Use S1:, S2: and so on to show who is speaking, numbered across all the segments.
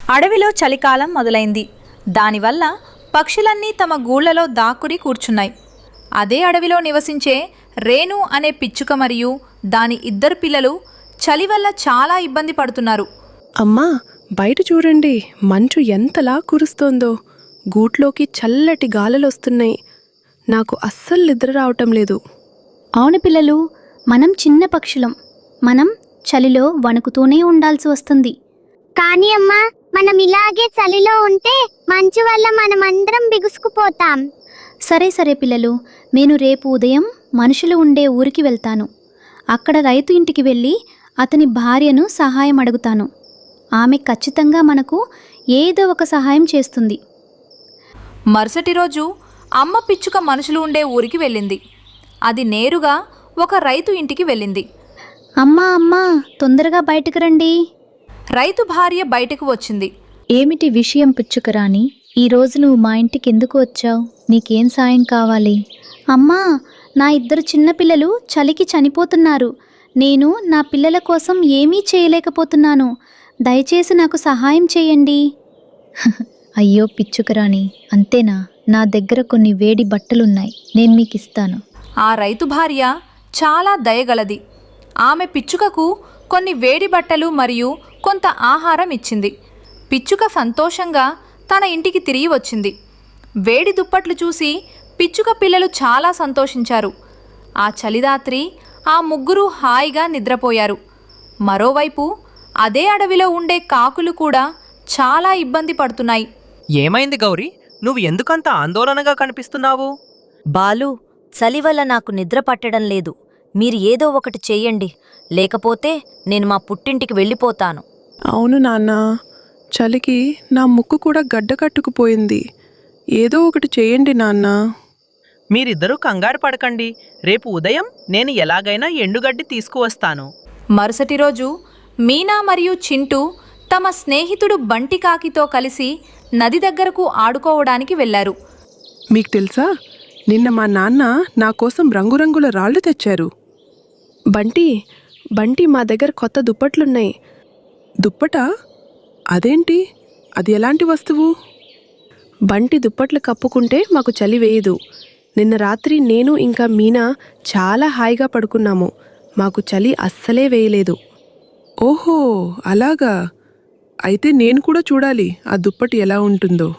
S1: అడవిలో చలికాలం మొదలైంది. దానివల్ల పక్షులన్నీ తమ గూళ్లలో దాక్కుని కూర్చున్నాయి. అదే అడవిలో నివసించే రేణు అనే పిచ్చుక మరియు దాని ఇద్దరు పిల్లలు చలి వల్ల చాలా ఇబ్బంది పడుతున్నారు.
S2: అమ్మా, బయట చూడండి, మంచు ఎంతలా కురుస్తోందో. గూట్లోకి చల్లటి గాలులొస్తున్నాయి. నాకు అస్సలు నిద్ర రావటం లేదు.
S3: అవును పిల్లలు, మనం చిన్న పక్షులం. మనం చలిలో వణుకుతూనే ఉండాల్సి వస్తుంది.
S4: కానీ అమ్మా, మనం ఇలాగే చలిలో ఉంటే మంచు వల్ల మనమందరం బిగుసుకుపోతాం.
S3: సరే పిల్లలు, నేను రేపు ఉదయం మనుషులు ఉండే ఊరికి వెళ్తాను. అక్కడ రైతు ఇంటికి వెళ్ళి అతని భార్యను సహాయం అడుగుతాను. ఆమె ఖచ్చితంగా మనకు ఏదో ఒక సహాయం చేస్తుంది.
S1: మరుసటి రోజు అమ్మ పిచ్చుక మనుషులు ఉండే ఊరికి వెళ్ళింది. అది నేరుగా ఒక రైతు ఇంటికి వెళ్ళింది.
S3: అమ్మా, తొందరగా బయటకు రండి.
S1: రైతు భార్య బయటకు వచ్చింది.
S5: ఏమిటి విషయం పిచ్చుకరాణి? ఈరోజు నువ్వు మా ఇంటికి ఎందుకు వచ్చావు? నీకేం సాయం కావాలి?
S3: అమ్మా, నా ఇద్దరు చిన్నపిల్లలు చలికి చనిపోతున్నారు. నేను నా పిల్లల కోసం ఏమీ చేయలేకపోతున్నాను. దయచేసి నాకు సహాయం చేయండి.
S5: అయ్యో పిచ్చుకరాణి, అంతేనా? నా దగ్గర కొన్ని వేడి బట్టలున్నాయి, నేను మీకు ఇస్తాను.
S1: ఆ రైతు భార్య చాలా దయగలది. ఆమె పిచ్చుకకు కొన్ని వేడి బట్టలు మరియు కొంత ఆహారం ఇచ్చింది. పిచ్చుక సంతోషంగా తన ఇంటికి తిరిగి వచ్చింది. వేడి దుప్పట్లు చూసి పిచ్చుక పిల్లలు చాలా సంతోషించారు. ఆ చలిరాత్రి ఆ ముగ్గురు హాయిగా నిద్రపోయారు. మరోవైపు అదే అడవిలో ఉండే కాకులు కూడా చాలా ఇబ్బంది పడుతున్నాయి.
S6: ఏమైంది గౌరీ? నువ్వు ఎందుకంత ఆందోళనగా కనిపిస్తున్నావు?
S7: బాలు, చలి వల్ల నాకు నిద్ర పట్టడం లేదు. మీరు ఏదో ఒకటి చెయ్యండి, లేకపోతే నేను మా పుట్టింటికి వెళ్ళిపోతాను.
S2: అవును నాన్న, చలికి నా ముక్కు కూడా గడ్డ కట్టుకుపోయింది. ఏదో ఒకటి చేయండి నాన్న.
S6: మీరిద్దరూ కంగారు పడకండి. రేపు ఉదయం నేను ఎలాగైనా ఎండుగడ్డి తీసుకువస్తాను.
S1: మరుసటి రోజు మీనా మరియు చింటూ తమ స్నేహితుడు బంటి కాకితో కలిసి నది దగ్గరకు ఆడుకోవడానికి వెళ్లారు.
S2: మీకు తెలుసా, నిన్న మా నాన్న నా కోసం రంగురంగుల రాళ్ళు తెచ్చారు. బంటి, మా దగ్గర కొత్త దుప్పట్లున్నాయి. దుప్పటా? అదేంటి? అది ఎలాంటి వస్తువు? బంటి దుప్పట్లు కప్పుకుంటే మాకు చలి వేయదు. నిన్న రాత్రి నేను ఇంకా మీనా చాలా హాయిగా పడుకున్నాము. మాకు చలి అస్సలే వేయలేదు. ఓహో, అలాగా? అయితే నేను కూడా చూడాలి ఆ దుప్పటి ఎలా ఉంటుందో.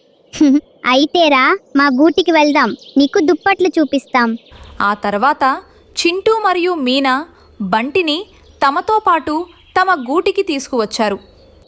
S4: అయితేరా, మా గూటికి వెళ్దాం, నీకు దుప్పట్లు చూపిస్తాం.
S1: ఆ తర్వాత చింటూ మరియు మీనా బంటిని తమతో పాటు తమ గూటికి తీసుకువచ్చారు.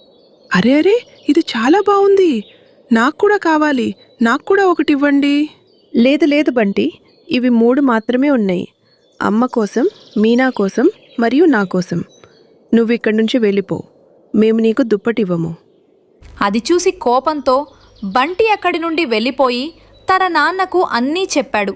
S2: అరే, ఇది చాలా బాగుంది. నాకు కూడా కావాలి. నాకు కూడా ఒకటి ఇవ్వండి. లేదు బంటి, ఇవి 3 మాత్రమే ఉన్నాయి. అమ్మ కోసం, మీనా కోసం మరియు నా కోసం. నువ్వు ఇక్కడి నుంచి వెళ్ళిపో. మేము నీకు దుప్పటివ్వము.
S1: అది చూసి కోపంతో బంటి అక్కడి నుండి వెళ్ళిపోయి తన నాన్నకు అన్నీ చెప్పాడు.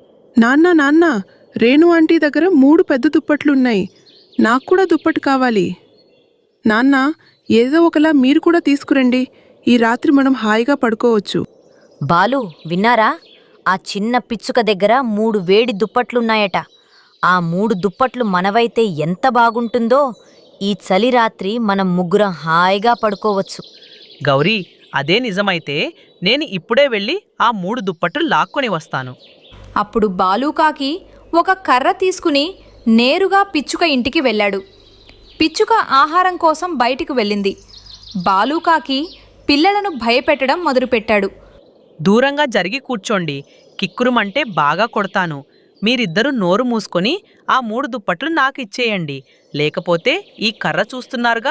S2: నాన్న, రేణు ఆంటీ దగ్గర 3 పెద్ద దుప్పట్లున్నాయి. నాకు కూడా దుప్పటి కావాలి. నాన్న, ఏదో ఒకలా మీరు కూడా తీసుకురండి. ఈ రాత్రి మనం హాయిగా పడుకోవచ్చు.
S7: బాలు, విన్నారా? ఆ చిన్న పిచ్చుక దగ్గర 3 వేడి దుప్పట్లున్నాయట. ఆ 3 దుప్పట్లు మనవైతే ఎంత బాగుంటుందో. ఈ చలి రాత్రి మనం ముగ్గురం హాయిగా పడుకోవచ్చు.
S6: గౌరీ, అదే నిజమైతే నేను ఇప్పుడే వెళ్ళి ఆ 3 దుప్పట్లు లాక్కొని వస్తాను.
S1: అప్పుడు బాలూకాకి ఒక కర్ర తీసుకుని నేరుగా పిచ్చుక ఇంటికి వెళ్ళాడు. పిచ్చుక ఆహారం కోసం బయటికి వెళ్ళింది. బాలూకాకి పిల్లలను భయపెట్టడం మొదలుపెట్టాడు.
S6: దూరంగా జరిగి కూర్చోండి, కిక్కురుమంటే బాగా కొడతాను. మీరిద్దరూ నోరు మూసుకొని ఆ 3 దుప్పట్లు నాకు ఇచ్చేయండి, లేకపోతే ఈ కర్ర చూస్తున్నారుగా.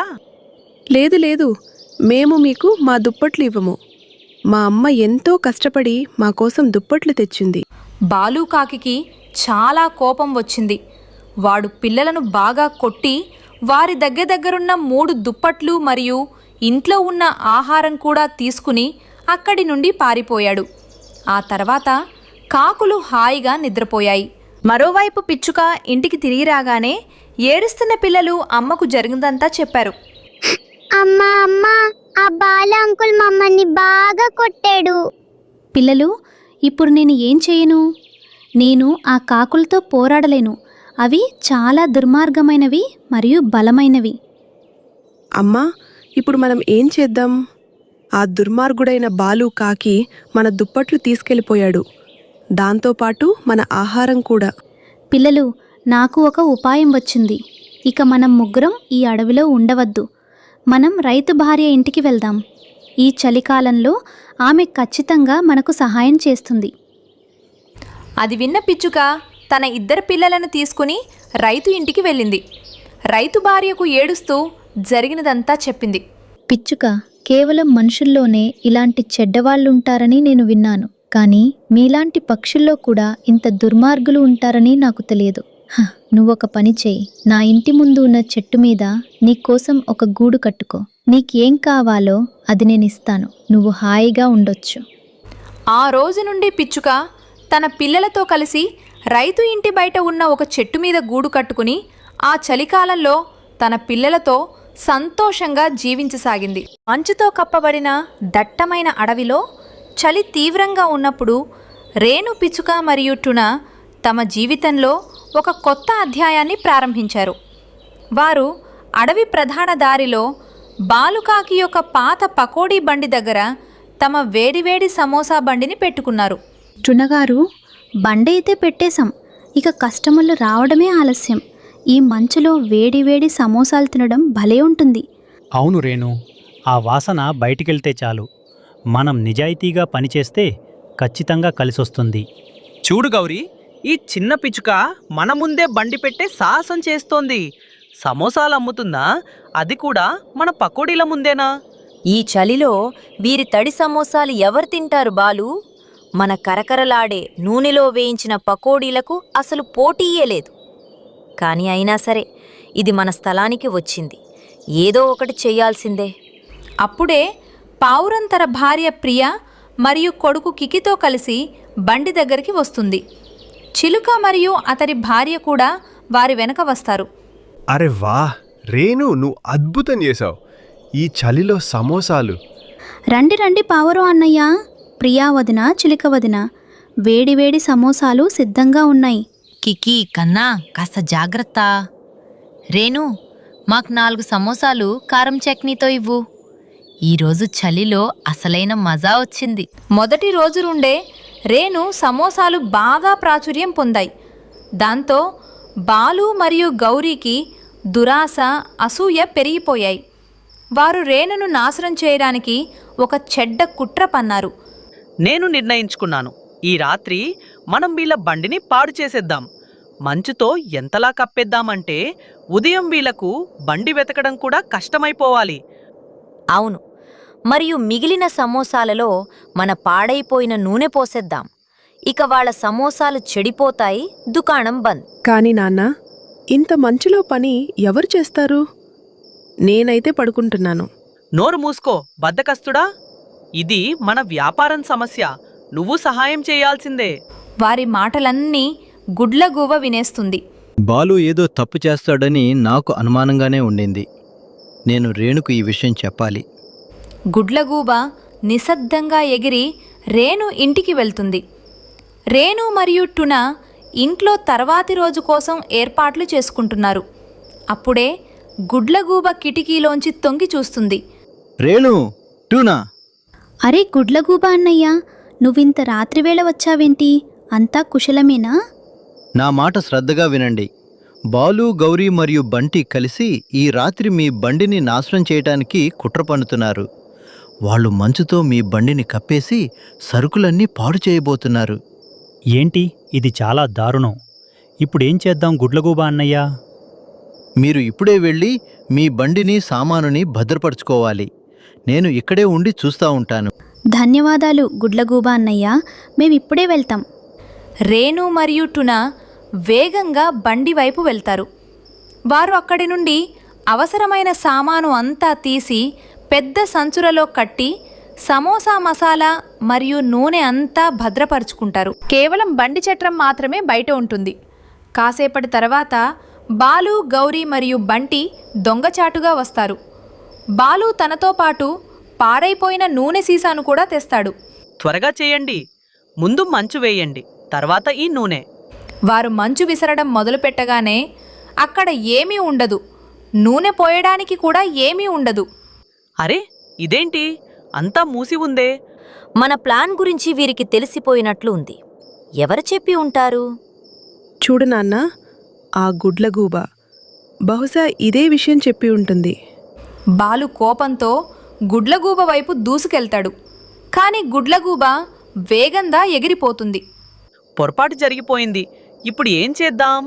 S2: లేదు, మేము మీకు మా దుప్పట్లు ఇవ్వము. మా అమ్మ ఎంతో కష్టపడి మా కోసం దుప్పట్లు తెచ్చింది.
S1: బాలూకాకి చాలా కోపం వచ్చింది. వాడు పిల్లలను బాగా కొట్టి వారి దగ్గరున్న 3 దుప్పట్లు మరియు ఇంట్లో ఉన్న ఆహారం కూడా తీసుకుని అక్కడి నుండి పారిపోయాడు. ఆ తర్వాత కాకులు హాయిగా నిద్రపోయాయి. మరోవైపు పిచ్చుక ఇంటికి తిరిగి రాగానే ఏడుస్తున్న పిల్లలు అమ్మకు జరిగిందంతా చెప్పారు.
S4: అమ్మా, ఆ బాల అంకుల్ మమ్మల్ని బాగా కొట్టాడు.
S3: పిల్లలు, ఇప్పుడు నేను ఏం చేయను? నేను ఆ కాకులతో పోరాడలేను. అవి చాలా దుర్మార్గమైనవి మరియు బలమైనవి.
S2: అమ్మా, ఇప్పుడు మనం ఏం చేద్దాం? ఆ దుర్మార్గుడైన బాలు కాకి మన దుప్పట్లు తీసుకెళ్ళిపోయాడు. దాంతోపాటు మన ఆహారం కూడా.
S3: పిల్లలు, నాకు ఒక ఉపాయం వచ్చింది. ఇక మనం ముగ్గురం ఈ అడవిలో ఉండవద్దు. మనం రైతు భార్య ఇంటికి వెళ్దాం. ఈ చలికాలంలో ఆమె ఖచ్చితంగా మనకు సహాయం చేస్తుంది.
S1: అది విన్న పిచ్చుక తన 2 పిల్లలను తీసుకుని రైతు ఇంటికి వెళ్ళింది. రైతు భార్యకు ఏడుస్తూ జరిగినదంతా చెప్పింది.
S5: పిచ్చుక, కేవలం మనుషుల్లోనే ఇలాంటి చెడ్డవాళ్ళుంటారని నేను విన్నాను. కానీ మీలాంటి పక్షుల్లో కూడా ఇంత దుర్మార్గులు ఉంటారని నాకు తెలియదు. నువ్వొక పని చేయి. నా ఇంటి ముందు ఉన్న చెట్టు మీద నీకోసం ఒక గూడు కట్టుకో. నీకేం కావాలో అది నేనిస్తాను. నువ్వు హాయిగా ఉండొచ్చు.
S1: ఆ రోజు నుండి పిచ్చుక తన పిల్లలతో కలిసి రైతు ఇంటి బయట ఉన్న ఒక చెట్టు మీద గూడు కట్టుకుని ఆ చలికాలంలో తన పిల్లలతో సంతోషంగా జీవించసాగింది. మంచుతో కప్పబడిన దట్టమైన అడవిలో చలి తీవ్రంగా ఉన్నప్పుడు రేణు, పిచ్చుక మరియు టున తమ జీవితంలో ఒక కొత్త అధ్యాయాన్ని ప్రారంభించారు. వారు అడవి ప్రధాన దారిలో బాలుకాకి యొక్క పాత పకోడీ బండి దగ్గర తమ వేడివేడి సమోసా బండిని పెట్టుకున్నారు.
S3: టునగారు, బండి అయితే పెట్టేశాం. ఇక కస్టమర్లు రావడమే ఆలస్యం. ఈ మంచులో వేడి వేడి సమోసాలు తినడం భలే ఉంటుంది.
S8: అవును రేణు, ఆ వాసన బయటికెళ్తే చాలు. మనం నిజాయితీగా పనిచేస్తే ఖచ్చితంగా కలిసొస్తుంది.
S6: చూడు గౌరీ, ఈ చిన్న పిచ్చుక మన ముందే బండి పెట్టే సాహసం చేస్తోంది. సమోసాలు అమ్ముతుందా? అది కూడా మన పకోడీల ముందేనా?
S7: ఈ చలిలో వీరి తడి సమోసాలు ఎవరు తింటారు బాలు? మన కరకరలాడే నూనెలో వేయించిన పకోడీలకు అసలు పోటీయే లేదు. కానీ అయినా సరే ఇది మన స్థలానికి వచ్చింది. ఏదో ఒకటి చెయ్యాల్సిందే.
S1: అప్పుడే పావురం తన భార్య ప్రియ మరియు కొడుకు కికితో కలిసి బండి దగ్గరికి వస్తుంది. చిలుక మరియు అతని భార్య కూడా వారి వెనక వస్తారు.
S9: అరే వా రేణు, నువ్వు అద్భుతం చేశావు. ఈ చలిలో సమోసాలు.
S3: రండి రండి పావురం అన్నయ్య, ప్రియా వదిన, చిలుక వదిన, వేడి వేడి సమోసాలు సిద్ధంగా ఉన్నాయి.
S7: కికి కన్నా కాస్త జాగ్రత్త. రేణు, మాకు 4 సమోసాలు కారం చట్నీతో ఇవ్వు. ఈరోజు చలిలో అసలైన మజా వచ్చింది.
S1: మొదటి రోజు నుండే రేణు సమోసాలు బాగా ప్రాచుర్యం పొందాయి. దాంతో బాలు మరియు గౌరీకి దురాశ, అసూయ పెరిగిపోయాయి. వారు రేణును నాశనం చేయడానికి ఒక చెడ్డ కుట్ర పన్నారు.
S6: నేను నిర్ణయించుకున్నాను, ఈ రాత్రి మనం వీళ్ళ బండిని పాడు చేసేద్దాం. మంచుతో ఎంతలా కప్పేద్దామంటే ఉదయం వీళ్లకు బండి వెతకడం కూడా కష్టమైపోవాలి.
S7: అవును, మరియు మిగిలిన సమోసాలలో మన పాడైపోయిన నూనె పోసేద్దాం. ఇక వాళ్ళ సమోసాలు చెడిపోతాయి, దుకాణం బంద్.
S2: కానీ నాన్న, ఇంత మంచులో పని ఎవరు చేస్తారు? నేనైతే పడుకుంటున్నాను.
S6: నోరు మూసుకో బద్దకస్తుడా. ఇది మన వ్యాపారం సమస్య. నువ్వు సహాయం చేయాల్సిందే.
S1: వారి మాటలన్నీ గుడ్లగూవ వినేస్తుంది.
S10: బాలు ఏదో తప్పు చేస్తాడని నాకు అనుమానంగానే ఉండింది. నేను రేణుకు ఈ విషయం చెప్పాలి.
S1: గుడ్లగూబ నిశ్శబ్దంగా ఎగిరి రేణు ఇంటికి వెళ్తుంది. రేణు మరియు టున ఇంట్లో తర్వాతి రోజు కోసం ఏర్పాట్లు చేసుకుంటున్నారు. అప్పుడే గుడ్లగూబ కిటికీలోంచి తొంగి చూస్తుంది.
S10: రేణు, టూనా.
S3: అరే గుడ్లగూబా అన్నయ్య, నువ్వింత రాత్రివేళ వచ్చావేంటి? అంతా కుశలమేనా?
S10: నా మాట శ్రద్ధగా వినండి. బాలు, గౌరీ మరియు బంటి కలిసి ఈ రాత్రి మీ బండిని నాశనం చేయటానికి కుట్ర పన్నుతున్నారు. వాళ్ళు మంచుతో మీ బండిని కప్పేసి సరుకులన్నీ పాడు చేయబోతున్నారు.
S8: ఏంటి, ఇది చాలా దారుణం. ఇప్పుడేం చేద్దాం గుడ్లగూబా అన్నయ్యా?
S10: మీరు ఇప్పుడే వెళ్ళి మీ బండిని, సామానుని భద్రపరుచుకోవాలి. నేను ఇక్కడే ఉండి చూస్తూ ఉంటాను.
S3: ధన్యవాదాలు గుడ్లగూబా అన్నయ్య, మేమిప్పుడే వెళ్తాం.
S1: రేణు మరియు టున వేగంగా బండి వైపు వెళ్తారు. వారు అక్కడి నుండి అవసరమైన సామాను అంతా తీసి పెద్ద సంచులలో కట్టి సమోసా మసాలా మరియు నూనె అంతా భద్రపరుచుకుంటారు. కేవలం బండి చట్రం మాత్రమే బయట ఉంటుంది. కాసేపటి తర్వాత బాలు, గౌరీ మరియు బంటి దొంగచాటుగా వస్తారు. బాలు తనతో పాటు పాడైపోయిన నూనె సీసాను కూడా తెస్తాడు.
S6: త్వరగా చేయండి. ముందు మంచు వేయండి, తర్వాత ఈ నూనె.
S1: వారు మంచు విసరడం మొదలుపెట్టగానే అక్కడ ఏమీ ఉండదు. నూనె పోయడానికి కూడా ఏమీ ఉండదు.
S6: అరే ఇదేంటి అంతా మూసి ఉందే?
S7: మన ప్లాన్ గురించి వీరికి తెలిసిపోయినట్లు ఉంది. ఎవరు చెప్పి ఉంటారు?
S2: చూడు నాన్న, ఆ గుడ్లగూబ బహుశా ఇదే విషయం చెప్పి ఉంటుంది.
S1: బాలు కోపంతో గుడ్లగూబ వైపు దూసుకెళ్తాడు. కాని గుడ్లగూబ వేగంగా ఎగిరిపోతుంది.
S6: పొరపాటు జరిగిపోయింది. ఇప్పుడు ఏం చేద్దాం?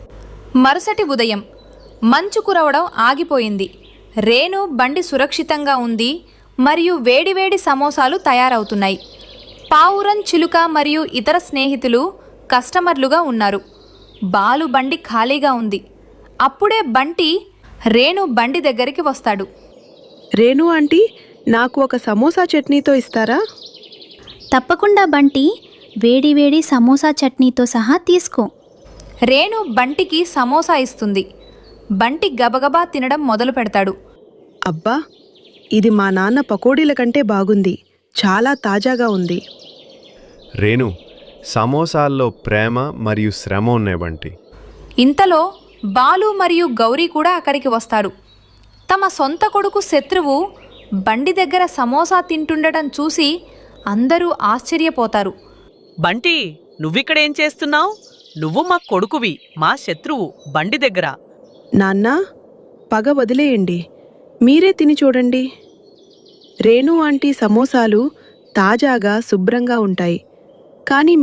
S1: మరుసటి ఉదయం మంచు కురవడం ఆగిపోయింది. రేణు బండి సురక్షితంగా ఉంది మరియు వేడివేడి సమోసాలు తయారవుతున్నాయి. పావురం, చిలుక మరియు ఇతర స్నేహితులు కస్టమర్లుగా ఉన్నారు. బాలు బండి ఖాళీగా ఉంది. అప్పుడే బంటి రేణు బండి దగ్గరికి వస్తాడు.
S2: రేణు ఆంటీ, నాకు ఒక సమోసా చట్నీతో ఇస్తారా?
S3: తప్పకుండా బంటి, వేడివేడి సమోసా చట్నీతో సహా తీసుకో.
S1: రేణు బంటికి సమోసా ఇస్తుంది. బంటి గబగబా తినడం మొదలు పెడతాడు.
S2: అబ్బా, ఇది మా నాన్న పకోడీల కంటే బాగుంది. చాలా తాజాగా ఉంది.
S9: రేణు, సమోసాల్లో ప్రేమ మరియు శ్రమ ఉన్నాయి బంటి.
S1: ఇంతలో బాలు మరియు గౌరీ కూడా అక్కడికి వస్తారు. తమ సొంత కొడుకు శత్రువు బండి దగ్గర సమోసా తింటుండటం చూసి అందరూ ఆశ్చర్యపోతారు.
S6: బంటి, నువ్విక్కడేం చేస్తున్నావు? నువ్వు మా కొడుకువి, మా శత్రువు బండి దగ్గర.
S2: నాన్న, పగ వదిలేయండి, మీరే తిని చూడండి. రేణు ఆంటీ సమోసాలు తాజాగా శుభ్రంగా ఉంటాయి. కానీ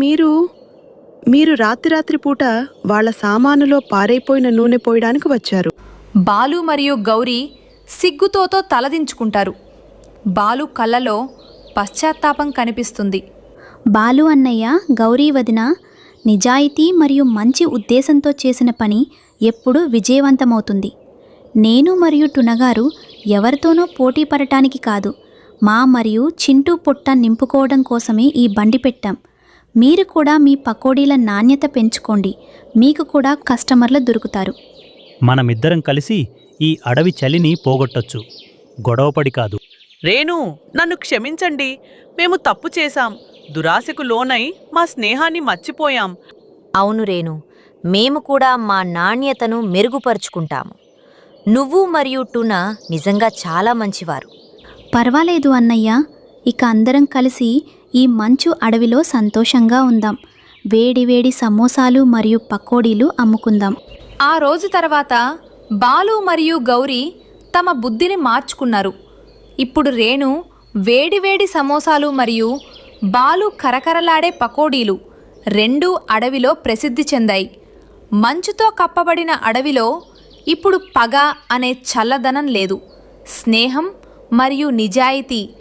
S2: మీరు రాత్రి పూట వాళ్ళ సామానులో పారైపోయిన నూనె పోయడానికి వచ్చారు.
S1: బాలు మరియు గౌరీ సిగ్గుతోతో తలదించుకుంటారు. బాలు కళ్ళలో పశ్చాత్తాపం కనిపిస్తుంది.
S3: బాలు అన్నయ్య, గౌరీ వదిన, నిజాయితీ మరియు మంచి ఉద్దేశంతో చేసిన పని ఎప్పుడూ విజయవంతమవుతుంది. నేను మరియు టునగారు ఎవరితోనో పోటీ పడటానికి కాదు, మా మరియు చింటూ పొట్ట నింపుకోవడం కోసమే ఈ బండి పెట్టాం. మీరు కూడా మీ పకోడీల నాణ్యత పెంచుకోండి, మీకు కూడా కస్టమర్లు దొరుకుతారు.
S8: మనమిద్దరం కలిసి ఈ అడవి చలిని పోగొట్టొచ్చు, గొడవపడి కాదు.
S6: రేణు, నన్ను క్షమించండి. మేము తప్పు చేశాం. దురాశకు లోనై మా స్నేహాన్ని మర్చిపోయాం.
S7: అవును రేణు, మేము కూడా మా నాణ్యతను మెరుగుపరుచుకుంటాము. నువ్వు మరియు టునా నిజంగా చాలా మంచివారు.
S3: పర్వాలేదు అన్నయ్య, ఇక అందరం కలిసి ఈ మంచు అడవిలో సంతోషంగా ఉందాం. వేడివేడి సమోసాలు మరియు పకోడీలు అమ్ముకుందాం.
S1: ఆ రోజు తర్వాత బాలు మరియు గౌరీ తమ బుద్ధిని మార్చుకున్నారు. ఇప్పుడు రేణు వేడివేడి సమోసాలు మరియు బాలు కరకరలాడే పకోడీలు రెండూ అడవిలో ప్రసిద్ధి చెందాయి. మంచుతో కప్పబడిన అడవిలో ఇప్పుడు పగ అనే చల్లదనం లేదు. స్నేహం మరియు నిజాయితీ